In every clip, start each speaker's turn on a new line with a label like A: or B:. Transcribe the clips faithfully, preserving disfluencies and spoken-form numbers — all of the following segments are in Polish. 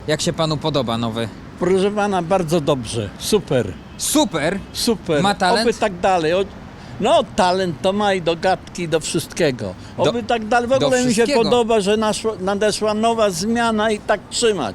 A: Jak się panu podoba nowy?
B: Proszę pana, bardzo dobrze. Super,
A: Super!
B: super.
A: Ma talent?
B: Oby tak dalej. O- No, talent to ma i do gadki, i do wszystkiego. Oby
A: Do-
B: tak dalej. W
A: do
B: ogóle mi się
A: wszystkiego.
B: podoba, że naszła, nadeszła nowa zmiana i tak trzymać.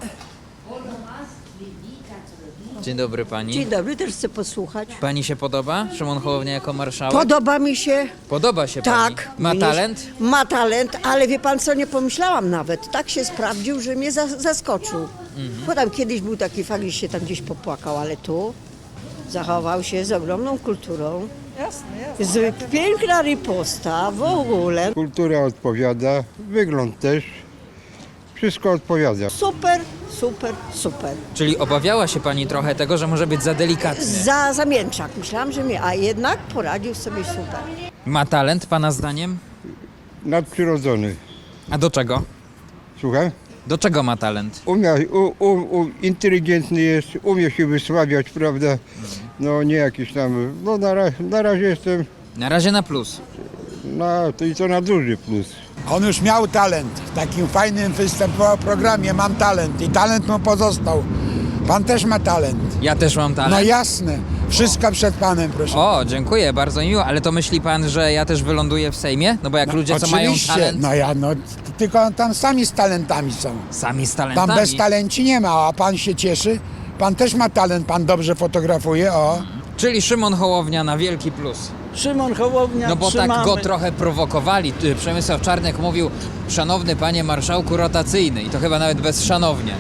A: Dzień dobry pani.
C: Dzień dobry, też chcę posłuchać.
A: Pani się podoba? Szymon Hołownia jako marszałek?
C: Podoba mi się.
A: Podoba się pani?
C: Tak.
A: Ma
C: Mnie-
A: talent?
C: Ma talent, ale wie pan co, nie pomyślałam nawet. Tak się sprawdził, że mnie za- zaskoczył.
A: Mhm.
C: Bo tam kiedyś był taki fakt, że się tam gdzieś popłakał, ale tu zachował się z ogromną kulturą. Jasne, jasne. Z piękna riposta w ogóle.
D: Kultura odpowiada, wygląd też. Wszystko odpowiada.
C: Super, super, super.
A: Czyli obawiała się pani trochę tego, że może być za delikatny.
C: Za zamięczak. Myślałam, że mnie, a jednak poradził sobie super.
A: Ma talent pana zdaniem?
D: Nadprzyrodzony.
A: A do czego?
D: Słucham?
A: Do czego ma talent?
D: Umie, u, u, u, inteligentny jest, umie się wysławiać, prawda? No nie jakiś tam, no na, ra, na razie jestem,
A: Na razie na plus.
D: na, to i to na duży plus.
E: On już miał talent. W takim fajnym występował programie Mam talent i talent mu pozostał. Pan też ma talent.
A: Ja też mam
E: No
A: talent.
E: jasne. Wszystko przed panem, proszę.
A: O, dziękuję, bardzo miło, ale to myśli pan, że ja też wyląduję w Sejmie? No bo jak ludzie, co mają
E: Oczywiście.
A: talent,
E: No ja, no tylko tam sami z talentami są.
A: sami z
E: Tam
A: talentami.
E: bez talenci nie ma, a pan się cieszy. Pan też ma talent, pan dobrze fotografuje, o.
A: Czyli Szymon Hołownia na wielki plus.
B: Szymon Hołownia,
A: No bo
B: trzymamy.
A: tak go trochę prowokowali. Ty, Przemysław Czarnek mówił, szanowny panie marszałku rotacyjny. I to chyba nawet bez szanownie.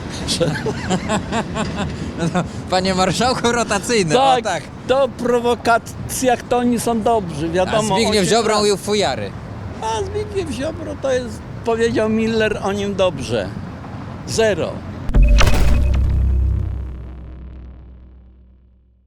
A: No to, panie marszałku rotacyjny,
B: Tak,
A: o tak.
B: to prowokacjach to oni są dobrzy,
A: A
B: wiadomo.
A: Zbigniew
B: osiem
A: Ziobro
B: lat.
A: mówił fujary.
B: A Zbigniew Ziobro to jest, powiedział Miller o nim dobrze. Zero.